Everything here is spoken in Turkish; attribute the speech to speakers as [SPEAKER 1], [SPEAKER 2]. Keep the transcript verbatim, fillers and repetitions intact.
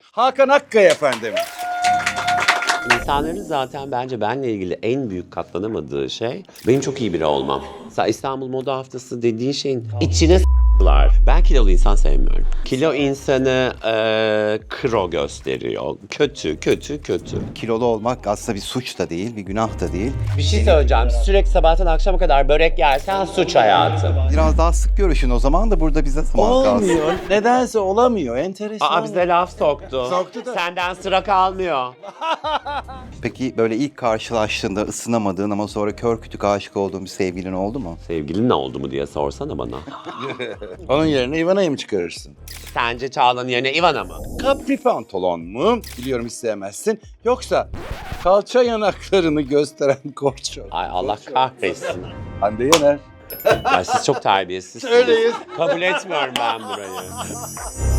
[SPEAKER 1] Hakan Akkaya efendim.
[SPEAKER 2] İnsanların zaten bence benle ilgili en büyük katlanamadığı şey benim çok iyi biri olmam. Mesela İstanbul Moda Haftası dediğin şeyin içine s**lar. Ben kilolu insan sevmiyorum. Kilo insanı e, kro gösteriyor. Kötü, kötü, kötü.
[SPEAKER 3] Kilolu olmak aslında bir suç da değil, bir günah da değil.
[SPEAKER 2] Bir şey söyleyeceğim. Sürekli sabahtan akşama kadar börek yersen suç hayatım.
[SPEAKER 3] Biraz daha sık görüşün o zaman da burada bize zaman kalsın.
[SPEAKER 1] Olmuyor. Nedense olamıyor. Enteresan.
[SPEAKER 2] Aa bize laf soktu.
[SPEAKER 1] Soktu da.
[SPEAKER 2] Senden sıra kalmıyor.
[SPEAKER 3] Peki böyle ilk karşılaştığında ısınamadığın ama sonra kör kütük aşık olduğun bir sevgilin oldu mu?
[SPEAKER 2] Sevgilin ne oldu mu diye sorsana bana.
[SPEAKER 1] Onun yerine Ivana'yı mı çıkarırsın?
[SPEAKER 2] Sence Çağla'nın yerine Ivana mı?
[SPEAKER 1] Capri pantolon mu? Biliyorum isteyemezsin. Yoksa kalça yanaklarını gösteren korço.
[SPEAKER 2] Ay Allah kahretsin.
[SPEAKER 1] Hande Yener.
[SPEAKER 2] Ay siz çok terbiyesizsiniz.
[SPEAKER 1] Öyleyiz.
[SPEAKER 2] Kabul etmiyorum ben burayı.